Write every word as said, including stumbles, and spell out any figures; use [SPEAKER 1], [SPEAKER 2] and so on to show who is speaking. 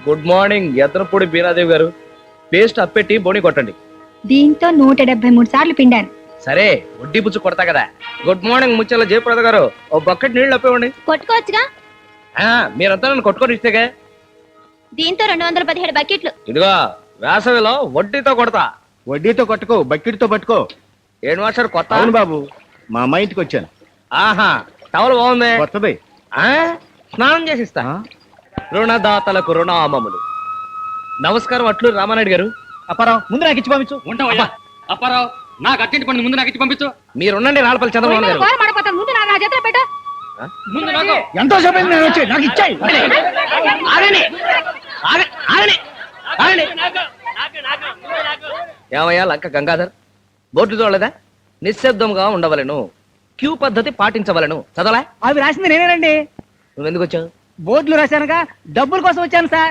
[SPEAKER 1] Good morning Ethanapudi బీరాదేవి గారు. Paste అప్పెట్టి బోని కొట్టండి.
[SPEAKER 2] దీంతో నూట డెబ్బై మూడు సార్లు పిండాను.
[SPEAKER 1] సరే వడ్డీ పుచ్చు కొడతా కదా. గుడ్ మార్నింగ్ ముచ్చల జయప్రద గారు, ఓ బకెట్ నీళ్ళు అప్పివ్వండి.
[SPEAKER 2] కొట్టుకోవచ్చుగా.
[SPEAKER 1] ఆ, మీరంతా నన్ను కొట్టుకొని ఇస్తేగా.
[SPEAKER 2] దీంతో రెండు వందల పదిహేడు బకెట్లు.
[SPEAKER 1] ఇదిగో వేసవిలో వడ్డీతో కొడతా.
[SPEAKER 3] వడ్డీతో కొట్టుకో, బకెట్తో పట్టుకో.
[SPEAKER 1] ఏడు మాస్టర్ కొత్త?
[SPEAKER 3] అవును బాబు, మా అమ్మాయి ఇంటికి వచ్చాను.
[SPEAKER 1] ఆహా, టవల్ బాగుంది.
[SPEAKER 3] కొత్తది.
[SPEAKER 1] ఆ, స్నానం చేసిస్తా. రుణదాతలకు రుణామములు. నమస్కారం అట్లు రామానాయుడు గారు.
[SPEAKER 3] అప్పారావు, ముందు నాకు ఇచ్చి పంపించు.
[SPEAKER 4] ఉంటావయ్యా అప్పారావు, నాకు అర్జెంట్ పని ముందు నాకు ఇచ్చి పంపించు.
[SPEAKER 1] మీరున్నండి రాళ్ళపల్లి చంద్రబాబు గారు.
[SPEAKER 2] ముందు నా చేతిలో పెట్టు.
[SPEAKER 4] ముందు నాకు
[SPEAKER 3] ఎంతో సేపు అయింది నేను వచ్చి, నాకు ఇచ్చాయి.
[SPEAKER 1] ఆగండి, ఆగ- ఆగండి, ఆగండి. ఏమయ్యా లంక గంగాధర్, బోర్డు చూడలేదా? నిశ్శబ్దంగా ఉండవలను, క్యూ పద్ధతి పాటించవలను. చదవలా?
[SPEAKER 5] అవి రాసింది నేనేనండి.
[SPEAKER 1] నువ్వెందుకు వచ్చావు?
[SPEAKER 5] బోర్డులు రాశానుగా, డబ్బుల కోసం వచ్చాను సార్.